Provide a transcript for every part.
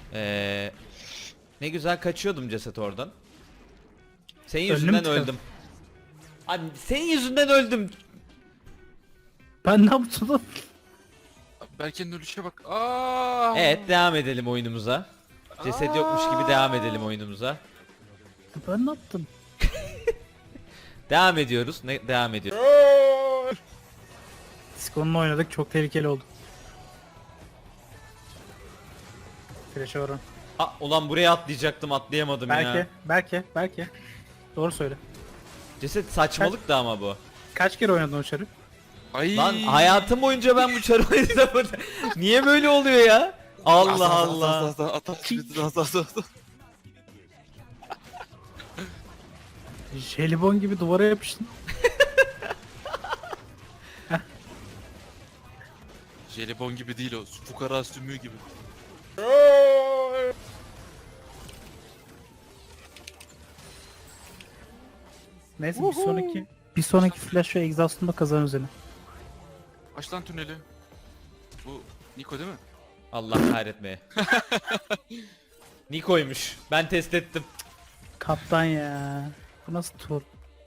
Ee, Ne güzel kaçıyordum ceset oradan. Senin Önlü mü yüzünden tıkadın? öldüm. Abi senin yüzünden öldüm. Ben ne yaptım lan? Berke'nin ölüşe bak. Aa! Evet, devam edelim oyunumuza. Ceset yokmuş gibi devam edelim oyunumuza. Ben ne yaptım? Devam ediyoruz. Ne devam ediyoruz? Discon'la oynadık, çok tehlikeli oldu. Flash'a varan. Ulan buraya atlayacaktım, atlayamadım ya. Belki. Doğru söyle. Ceset saçmalık da ama bu. Kaç kere oynadın o çarı? Ay. Lan hayatım boyunca ben bu çarı oynadım. Niye böyle oluyor ya? Allah Allah. Jelibon gibi duvara yapıştın. Jelibon gibi değil o. Fukara sümüğü gibi. Neyse bir sonraki flash ve exhaust'unda kazanırız yine. Aç lan tüneli. Bu Niko değil mi? Allah kahretmeye. Niko'ymuş. Ben test ettim. Kaptan ya. Bu nasıl tur?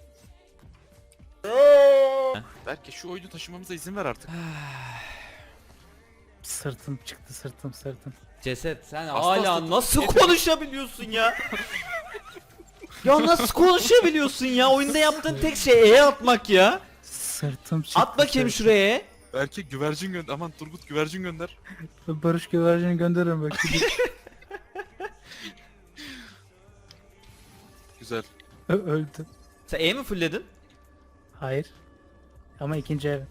Berke şu oyunu taşımamıza izin ver artık. Sırtım çıktı, sırtım. Ceset sen Hasta hala hasta- nasıl konuşabiliyorsun ya? Ya nasıl konuşabiliyorsun ya? Oyunda yaptığın tek şey E atmak ya. Sırtım çıktı. At bakayım sırtım. şuraya. Berke güvercin gönder. Aman Turgut güvercin gönder. Barış güvercini gönderirim bak. Güzel. Öldü. Sen E mi fullledin? Hayır. Ama ikinci evet.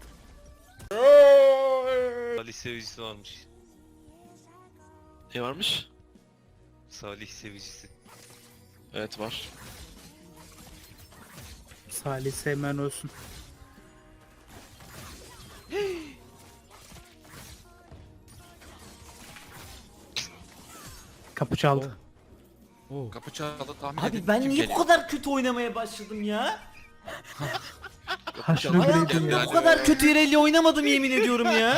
Salih sevicisi varmış. Ne varmış? Salih sevicisi. Evet var. Salih sevmen olsun. Kapı çaldı. Kapı çaldı tahmin Abi edin ben kim niye geliyor? bu kadar kötü oynamaya başladım ya? Haşırı biriydim Hayatımda ya. bu kadar kötü İrelli oynamadım yemin ediyorum ya.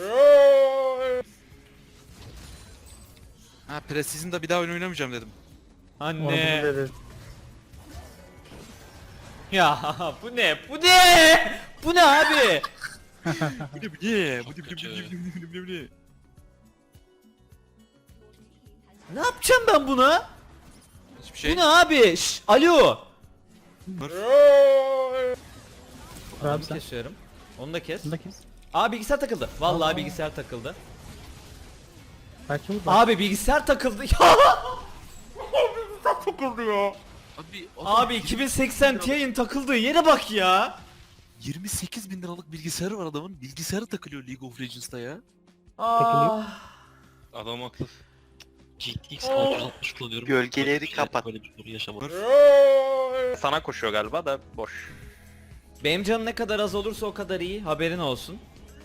Ha Precision'da bir daha oyun oynamayacağım dedim. Onu bunu Anne. dedi. Ya bu ne? Bu ne? Bu ne abi? Bu ne? Bu ne? Ne yapacağım ben buna? Hiçbir Bu şey. ne abi? Alo. Abi Onu sen. kesiyorum. Onu da kes. Bunu da kes. Aa bilgisayar takıldı. Vallahi bilgisayar takıldı. Belki bu da. Abi bilgisayar takıldı. Ya. Bilgisayar takıldı ya. Abi, Abi 2080 Ti'nin takıldığı yere bak ya. 28 bin liralık bilgisayarı var adamın. Bilgisayarı takılıyor League of Legends'ta ya. Ah. Adam haklı. GTX 660 kullanıyorum. Gölgeleri Böyle- kapat. Böyle bir soru yaşamadım. Sana koşuyor galiba da boş. Benim canım ne kadar az olursa o kadar iyi. Haberin olsun.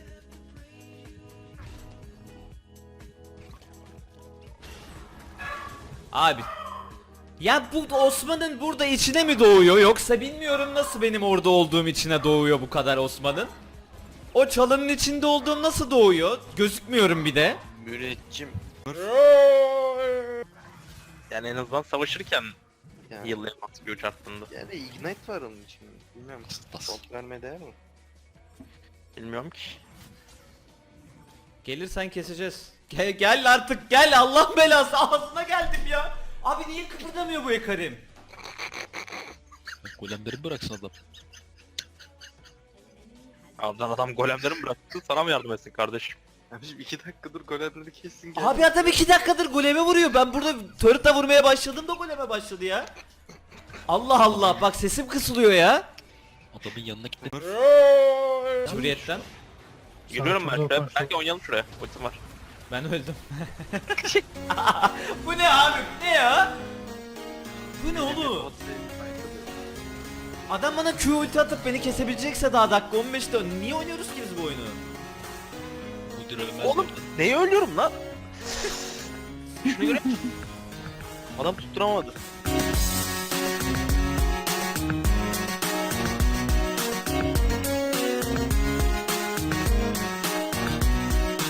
Abi. Ya bu Osman'ın burada içine mi doğuyor yoksa bilmiyorum nasıl benim orada olduğum içine doğuyor bu kadar Osman'ın. O çalının içinde olduğum nasıl doğuyor? Gözükmüyorum bir de. Müneccim. Yani en azından savaşırken yıllayamaz göç hattında. Yani Ignite var onun için. Bilmiyorum. Top vermeye değer mi? Bilmiyorum ki. Gelirsen keseceğiz. Gel artık gel Allah belası ağzına geldim ya. Abi niye kıpırdamıyor bu Ekarim? Golemleri bıraksın adam. Adam golemleri mi bıraktı? Sana mı yardım etsin kardeşim? Abiciğim 2 dakikadır golemleri kessin gel. Abi adam 2 dakikadır goleme vuruyor. Ben burada turret'la vurmaya başladım da goleme başladı ya. Allah Allah bak sesim kısılıyor ya. Adamın yanına gitme. Hürriyetten. Geliyorum Sağa ben sola şuraya. koş. Belki oynayalım şuraya. Ultim var. Ben öldüm. Bu ne abi? Bu ne ya? Bu ne oğlum? Adam bana Q ulti atıp beni kesebilecekse daha dakika 15'te niye oynuyoruz ki biz bu oyunu? Bu dir ölmez. Oğlum neyi ölüyorum lan? Şunu göre. Adam tutturamadı.